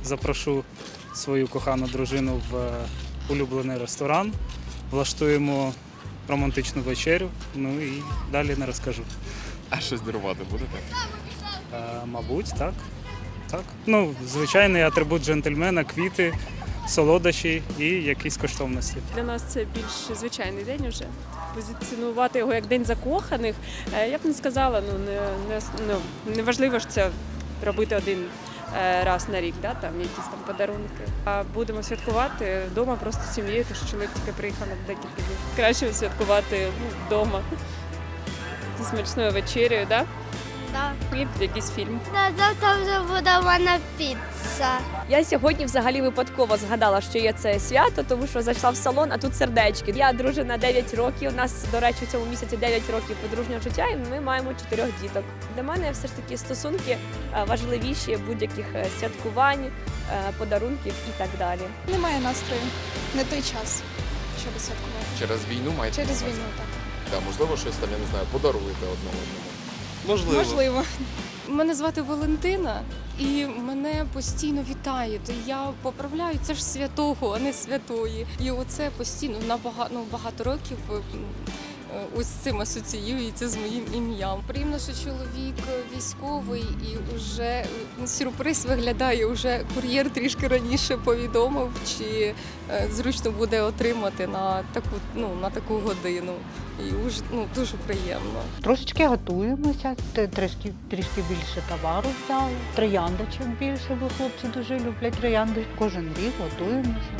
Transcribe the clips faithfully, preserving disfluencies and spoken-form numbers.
запрошу свою кохану дружину в е, улюблений ресторан, влаштуємо романтичну вечерю, ну і далі не розкажу. А щось дарувати будете? Е, Мабуть, так. так. Ну, звичайний атрибут джентльмена, квіти, солодощі і якісь коштовності. Для нас це більш звичайний день уже. Позиціонувати його як день закоханих, е, я б не сказала, ну не, не, ну, не важливо ж це робити один е, раз на рік, да, там якісь там подарунки. А будемо святкувати вдома просто з сім'єю, тому що чоловік тільки приїхав на декілька днів. Краще святкувати ну, вдома. Зі смачною вечерею, да? Да. І якийсь фільм. Да, завтра вже буде в мене піца. Я сьогодні взагалі випадково згадала, що є це свято, тому що зайшла в салон, а тут сердечки. Я дружина дев'ять років, у нас, до речі, у цьому місяці дев'ять років подружнього життя, і ми маємо чотирьох діток. Для мене все ж таки стосунки е, важливіші будь-яких е, святкувань, е, подарунків і так далі. Немає настрою, не той час, щоб святкувати. Через війну маєте? Через на увазі? війну, так. Да, можливо, щось там, я не знаю, подаруєте одне одному. Можливо. Можливо. Мене звати Валентина, і мене постійно вітають. Я поправляю, це ж святого, а не святої. І оце постійно на багато, ну, багато років е, ось цим асоціюється з моїм ім'ям. Приємно, що чоловік військовий і вже сюрприз виглядає, вже кур'єр трішки раніше повідомив, чи е, зручно буде отримати на таку, ну, на таку годину. І уж, ну, дуже приємно. Трошечки готуємося, т- трішки, трішки більше товару взяли. Трояндочок більше, бо хлопці дуже люблять троянди. Кожен рік готуємося.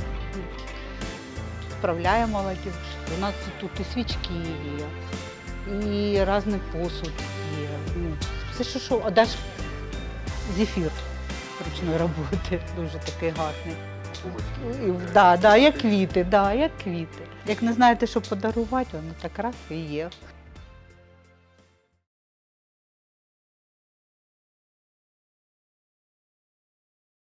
Справляємо молодіж. У нас тут і свічки є, і різний посуд є. Ну, все, що, що, а навіть зефір ручної роботи, дуже такий гарний. І, да, да, як квіти, да, як квіти. Як не знаєте, що подарувати, воно так раз і є.